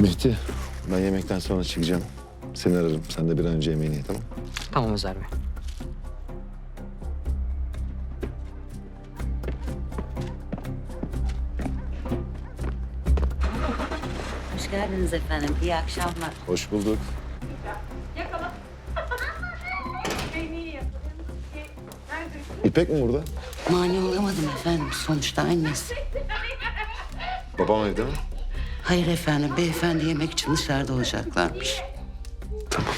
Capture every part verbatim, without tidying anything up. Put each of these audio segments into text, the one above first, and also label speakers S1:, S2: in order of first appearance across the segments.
S1: Mehdi, ben yemekten sonra çıkacağım. Seni ararım. Sen de bir an önce yemeğini ye, tamam?
S2: Tamam Özer Bey.
S3: Hoş geldiniz efendim. İyi akşamlar.
S1: Hoş bulduk. İpek mi burada?
S3: Mani olamadım efendim. Sonuçta annesi.
S1: Babam evde mi?
S3: Hayır efendim. Beyefendi yemek için dışarıda olacaklarmış.
S1: Tamam.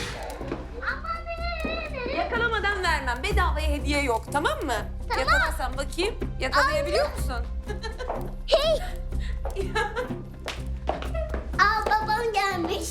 S4: Yakalamadan vermem. Bedavaya hediye yok, tamam mı? Tamam. Yakalarsan bakayım. Yakalayabiliyor musun?
S5: Aa, babam gelmiş.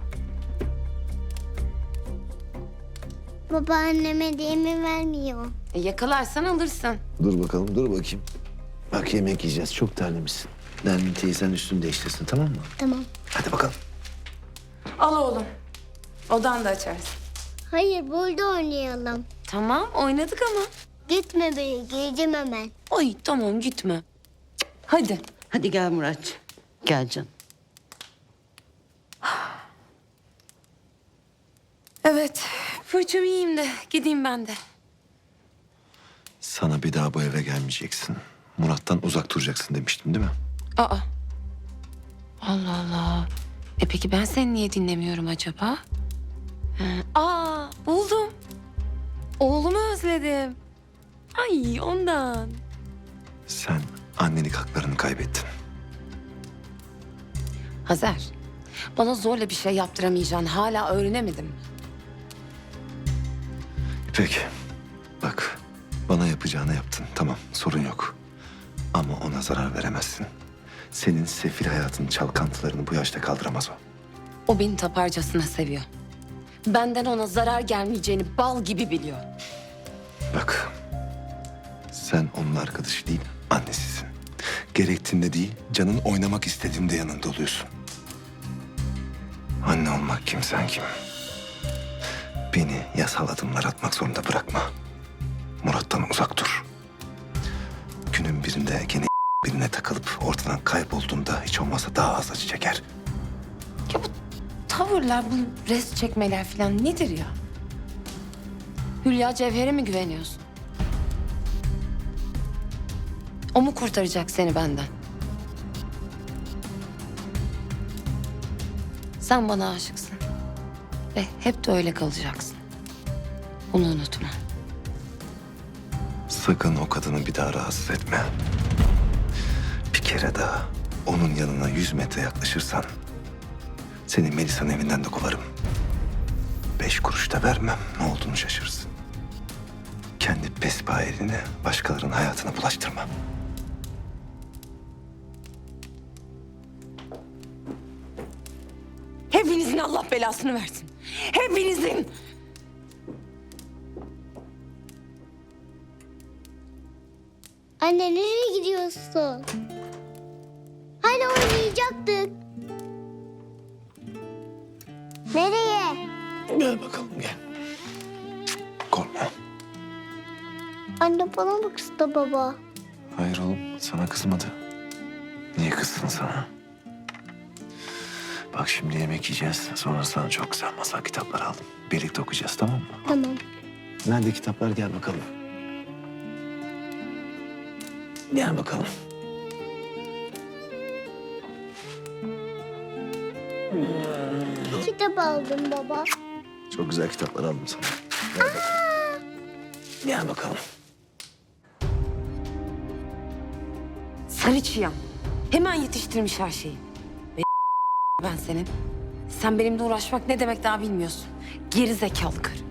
S5: Babaannem hediyemi vermiyor.
S4: E, yakalarsan alırsın.
S1: Dur bakalım, dur bakayım. Bak yemek yiyeceğiz. Çok terlemişsin. Nermin teyzen üstünü değiştirsin, tamam mı?
S5: Tamam.
S1: Hadi bakalım.
S4: Al oğlum. Odan da açarsın.
S5: Hayır, burada oynayalım.
S4: Tamam, oynadık ama.
S5: Gitme beni, geleceğim hemen.
S4: Ay tamam gitme. Cık, hadi.
S3: Hadi gel Murat. Gel canım.
S4: Evet, fırçamı yiyeyim de gideyim ben de.
S1: Sana bir daha bu eve gelmeyeceksin. Murat'tan uzak duracaksın demiştim, değil mi?
S4: Aa. Allah Allah. E peki ben seni niye dinlemiyorum acaba? Ha, Aa, buldum. Oğlumu özledim. Ay ondan.
S1: Sen annelik haklarını kaybettin.
S4: Hazer, bana zorla bir şey yaptıramayacaksın. Hala öğrenemedim.
S1: İpek, bak bana yapacağını yaptın. Tamam, sorun yok. Ama ona zarar veremezsin. Senin sefil hayatının çalkantılarını bu yaşta kaldıramaz o.
S4: O beni taparcasına seviyor. Benden ona zarar gelmeyeceğini bal gibi biliyor.
S1: Bak, sen onun arkadaşı değil, annesisin. Gerektiğinde değil, canın oynamak istediğinde yanında oluyorsun. Anne olmak kim, sen kim? Beni yasal adımlar atmak zorunda bırakma. Murat'tan uzak dur. Günün birinde gene birine takılıp ortadan kaybolduğunda hiç olmazsa daha az acı çeker.
S4: Ya bu tavırlar, bu res çekmeler falan nedir ya? Hülya Cevher'e mi güveniyorsun? O mu kurtaracak seni benden? Sen bana aşıksın. Ve hep de öyle kalacaksın. Bunu unutma.
S1: Sakın o kadını bir daha rahatsız etme. Bir kere daha onun yanına yüz metre yaklaşırsan seni Melisa'nın evinden de kovarım. Beş kuruş da vermem, ne olduğunu şaşırırsın. Kendi pespayerini başkalarının hayatına bulaştırma.
S4: Hepinizin Allah belasını versin. Hepinizin.
S5: Anne, nereye gidiyorsun? Hani oynayacaktık. Nereye?
S1: Gel bakalım gel. Korkma.
S5: Anne, bana mı kızdı baba?
S1: Hayır oğlum, sana kızmadı. Niye kızsın sana? Bak şimdi yemek yiyeceğiz. Sonra sana çok güzel masal kitapları aldım. Birlikte okuyacağız, tamam mı?
S5: Tamam.
S1: Nerede kitaplar, gel bakalım. Gel bakalım.
S5: Kitap aldım baba.
S1: Çok güzel kitaplar aldım sana. Gel bakalım. Gel bakalım.
S4: Sarı çiyan. Hemen yetiştirmiş her şeyi. Ve ben senin. Sen benimle uğraşmak ne demek daha bilmiyorsun. Geri zekalı karı.